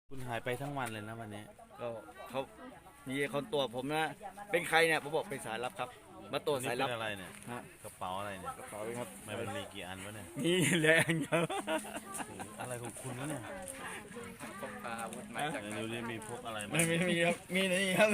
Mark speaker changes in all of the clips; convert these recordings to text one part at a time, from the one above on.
Speaker 1: คุณหายไปทั้งวันเลยนะวันนี้
Speaker 2: ก็เขามีคนตรวจผมนะเป็นใครเนี่ยผมบอกเป็นสายลับครับมาตรวจสายลับ
Speaker 1: นี่เป็นอะไรเนี่ย
Speaker 2: ฮะ
Speaker 1: กระเป๋าอะไรเนี่ย
Speaker 2: กระเป๋าครับ
Speaker 1: ไม่มันมีกี่อันวะเนี่ย
Speaker 2: นี่แรงครับ
Speaker 1: อะไรของคุณวะเนี่ย
Speaker 2: พกอาวุธมาจาก
Speaker 1: ไหนดูดิมีพกอะไรมา
Speaker 2: ไม่มีครับมีนี่ครับ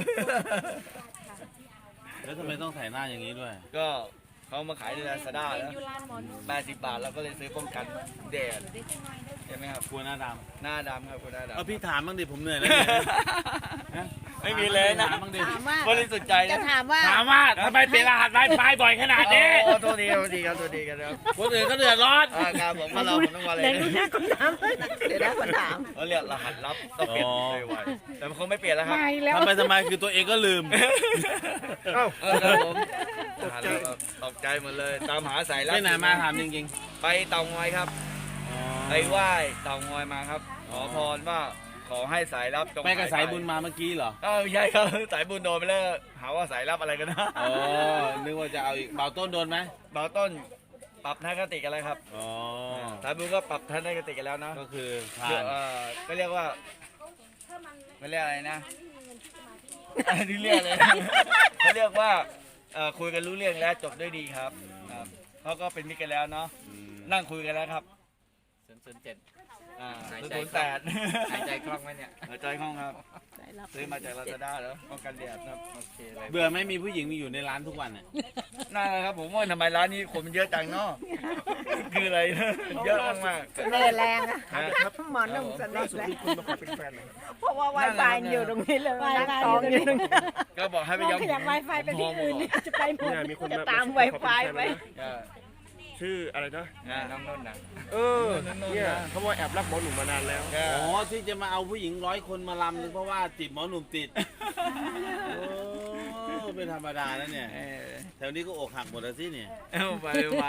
Speaker 1: แล้วทำไมต้องใส่หน้าอย่างนี้ด้วย
Speaker 2: ก็เขามาขายในลาซาด้าแล้ว80 บาทเราก็เลยซื้อป้องกันแดดใช่ไหมครับ
Speaker 1: กลัวหน้าด
Speaker 2: หน้าดำครับคุณหน้า
Speaker 1: ำเอา
Speaker 2: ดำ
Speaker 1: พี่ถามบ้างดิผมเหนื่อยแล้วเนี่ยฮะ
Speaker 2: ไม่มีเลยนะ
Speaker 1: ถามบ้างดิ
Speaker 3: ถามว่า
Speaker 2: บริสุทธิ์ใจ
Speaker 3: จะ
Speaker 2: นะ
Speaker 3: ถามว่า
Speaker 1: ถามว่าทำไมเปลี่ยนรหัสไวไฟบ่อยขนาดนี้
Speaker 2: โอ้โทษทีครับโทษทีครับโทษทีครับ
Speaker 1: คนอื่นก็เดือดร้อน
Speaker 2: การผมมาเราผมต้องมาเลย
Speaker 3: เดี๋ยวนะคนถามเดี๋ยวนะคนถาม
Speaker 2: เขาเรียกรหัสลับต้องเปลี่ยนไวๆแต่มันคงไม่เปลี่ยนแล้วครับ
Speaker 3: ไม่แล้ว
Speaker 1: ทำไมคือตัวเองก็ลืม
Speaker 2: ครับผมตกใจหมดเลยตามหาสายลับ
Speaker 1: ไปไหนมาถามจริง
Speaker 2: ไปเตางอยครับ
Speaker 1: ๆ
Speaker 2: ไปไหว้เตางอยมาครับ ขอพรว่าขอให้สายลับจง
Speaker 1: ไปกับสายบุญมาเมื่อกี้เหรอ
Speaker 2: ใช่ครับสายบุญโดนไปแล้วหาว่าสายลับอะไรกันนะ
Speaker 1: อ๋อนึกว่าจะเอาอีกเบาต้นโดนไหม
Speaker 2: เบาต้นปรับทัศนคติกันแล้วครับ
Speaker 1: อ๋อ
Speaker 2: สายบุญก็ปรับทัศนคติกันแล้วนะ
Speaker 1: ก็คือผ่า
Speaker 2: เดี๋ยวน ก็เรียกว่าไม่เรียกอะไรนะอันนี้เรียกเลยเขาเรียกว่าคุยกันรู้เรื่องแล้วจบด้วยดีครับเขาก็เป็นมิตรกันแล้วเนาะ นั่งคุยกันแล้วครับ
Speaker 4: 007
Speaker 2: 008
Speaker 4: หายใจคล่องไหมเนี่ย
Speaker 2: หายใจคล่องครับซื้อมาจากลาซาด้าแล้วป้องกันแดดครับ
Speaker 4: โอเคเลย
Speaker 1: เบื่อไหม่มีผู้หญิงมีอยู่ในร้านทุกวันเนี่ย
Speaker 2: น่าครับผมว่าทำไมร้านนี้คนมันเยอะจังเนาะคืออะไรนะเยอะมาก
Speaker 3: เสน่ห์แรงอะ
Speaker 2: ๆ
Speaker 3: หมอหนุ่มเสน่ห์แรง
Speaker 5: คุณมาขอเป็นแฟนเลย
Speaker 3: เพราะว่าไวไฟอยู่ตรงนี้เลยนั่งตองอยู่ตรงนี้
Speaker 2: ก็บอกให้ไป
Speaker 3: ลอง
Speaker 2: ย้อม
Speaker 3: ขยับไวไฟไปที่อื่นเนี่ยจะไปหมด
Speaker 5: เนี่ยมีคน
Speaker 3: จะ
Speaker 5: มา
Speaker 3: ตาม
Speaker 5: ขอ
Speaker 3: ไว
Speaker 5: เป็น
Speaker 3: ไฟ
Speaker 5: แฟน
Speaker 3: ไป
Speaker 5: แล้วนะชื่ออะไรนะ
Speaker 2: น้องนุ่นนะ
Speaker 5: เออเนี่ยเขาว่าแอบรักหมอหนุ่มมานานแล้ว
Speaker 1: อ๋อที่จะมาเอาผู้หญิง100 คนมาลำนึงเพราะว่าจีบหมอหนุ่มติด โอ้เป็นธรรมดาแล้วเนี่ยแถวนี้ก็อกหักหมดแล้วสิเนี่ย
Speaker 2: ไปมา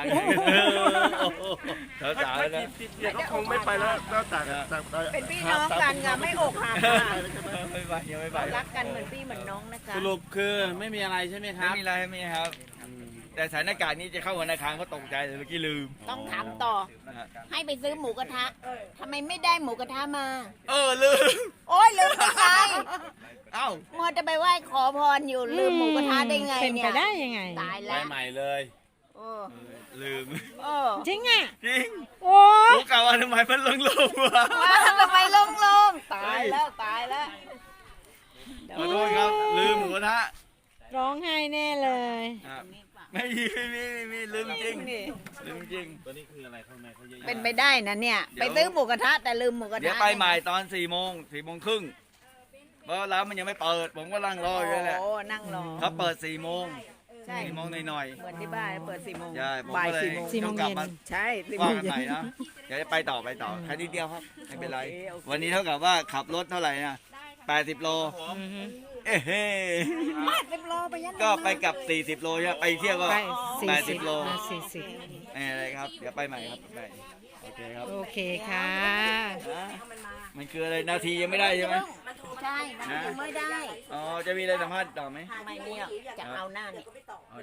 Speaker 2: สาวๆ
Speaker 5: ถ้า
Speaker 2: แล้ว
Speaker 5: จีบเนี่ยเขาคงไม่ไปแล้วนอกจาก
Speaker 3: เป็นพี่น้องกันค่ะไม่อกหักค่ะ
Speaker 2: ไม่ไปยังไม่ไป
Speaker 3: รักกันเหมือนพี่เหมือนน้องนะคะ
Speaker 1: สรุปคือไม่มีอะไรใช่ไหมค
Speaker 2: ไม่
Speaker 1: รับ
Speaker 2: มีอะไรไม่มีครับ แต่สถานการณ์นี้จะเข้าธนาคารเขาตกใจเลยเมื่อกี้ลืม
Speaker 3: ต้องถามต่อ ให้ไปซื้อหมูกระทะทำไมไม่ได้หมูกระทะมา
Speaker 2: ลืม
Speaker 3: โอ้ยลืมได้ไง
Speaker 2: เอ้า
Speaker 3: มัวจะไปไหว้ขอพรอยู่ลืมหมูกระทะได้ไง
Speaker 6: เป็น
Speaker 3: เนี่
Speaker 6: ไป
Speaker 3: ย
Speaker 6: ได้ยังไง
Speaker 3: ตาย
Speaker 1: ไป
Speaker 3: แล้ว
Speaker 1: ใหม่เลย
Speaker 3: โอ้
Speaker 2: ลืม
Speaker 3: โอ้
Speaker 6: จริงอ่ะ
Speaker 2: จริง
Speaker 6: โอ้
Speaker 2: ผมกล่าวว่าทำไมมันลงวะ
Speaker 3: ว้าทำไมลงตายแล้วตายแล้ว
Speaker 2: ขอโทษครับลืมหมูกระทะ
Speaker 6: ร้องไห้แน่เลย
Speaker 2: ไม่มีลืมจริงลืมจริง
Speaker 1: ตัวนี้คืออะไรข้างในเขาเยอะๆ
Speaker 3: เป็นไปได้นะเนี่ย ไปซื้อหมูกระทะแต่ลืมหมูกระทะ
Speaker 2: เดี๋ยวไปใหม่ตอน4 โมงครึ่งเพราะร้านมันยังไม่เปิด ผมก็นั่งรออยู่นั่นแหละ
Speaker 3: โอ้นั่งรอ
Speaker 2: เขาเปิด4 โมง
Speaker 3: ใช่
Speaker 2: 4 โมงหน่อย
Speaker 3: เหมือนที่บ้านเปิด4 โมง
Speaker 2: ๆใช่ผม
Speaker 3: บ่าย
Speaker 2: ก็เลย
Speaker 3: 4 โมง
Speaker 2: ต้องกลับมา
Speaker 3: ใช่4 โม
Speaker 2: ว่าง กัน
Speaker 3: เย็
Speaker 2: ใหม่
Speaker 3: น
Speaker 2: นะเดี๋ยวจะไปต่อแค่นิดเดียวครับไม่เป็นไร
Speaker 3: โอเคโอเค
Speaker 2: วันนี้เท่ากับว่าขับรถเท่าไหร่นะ80 โลเอ้เฮ้
Speaker 3: มา10 โลไปยัน
Speaker 2: ก็ไปกลับ40 โลใช่ไหมไปเที่ยวก็
Speaker 6: ไป
Speaker 2: 80 โล
Speaker 6: มา40
Speaker 2: อะไรครับเดี๋ยวไปใหม่ครับไปโอเคครับ
Speaker 6: โอเคค่ะ
Speaker 2: มันคืออะไรนาทียังไม่ได้ใช่ไหม
Speaker 3: ใช่มันยังไม่ได้
Speaker 2: อ๋อจะมีอะไรสัมภาษณ์ต่อไหม
Speaker 3: ไม่เนี่ยจะเอาหน้าเนี่ย